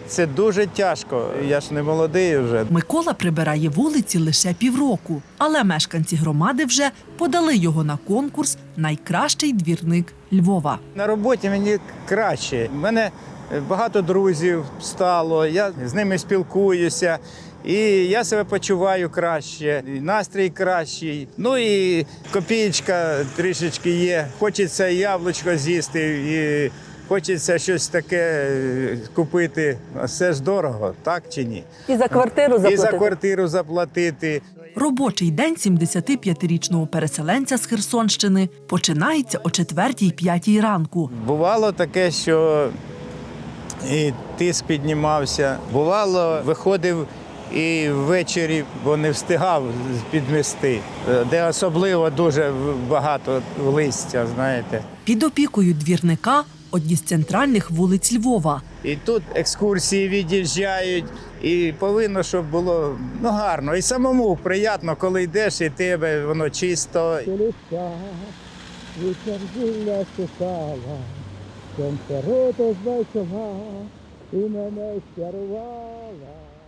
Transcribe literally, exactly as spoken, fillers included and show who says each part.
Speaker 1: Це дуже тяжко, я ж не молодий вже.
Speaker 2: Микола прибирає вулиці лише півроку, але мешканці громади вже подали його на конкурс «Найкращий двірник Львова».
Speaker 1: На роботі мені краще. У мене багато друзів стало, я з ними спілкуюся. І я себе почуваю краще, і настрій кращий. Ну і копієчка трішечки є. Хочеться яблучко з'їсти, і хочеться щось таке купити. Все ж дорого, так чи ні?
Speaker 3: І за квартиру заплатити.
Speaker 1: І за квартиру заплатити.
Speaker 2: Робочий день сімдесятип'ятирічного переселенця з Херсонщини починається о четвертій-п'ятій ранку.
Speaker 1: Бувало таке, що і тиск піднімався. Бувало, виходив і ввечері, бо не встигав підмести, де особливо дуже багато листя, знаєте.
Speaker 2: Під опікою двірника одні з центральних вулиць Львова.
Speaker 1: І тут екскурсії від'їжджають, і повинно, щоб було ну, гарно. І самому приємно, коли йдеш, і тебе воно чисто.
Speaker 4: Сонце рото збачила і мене щарувала.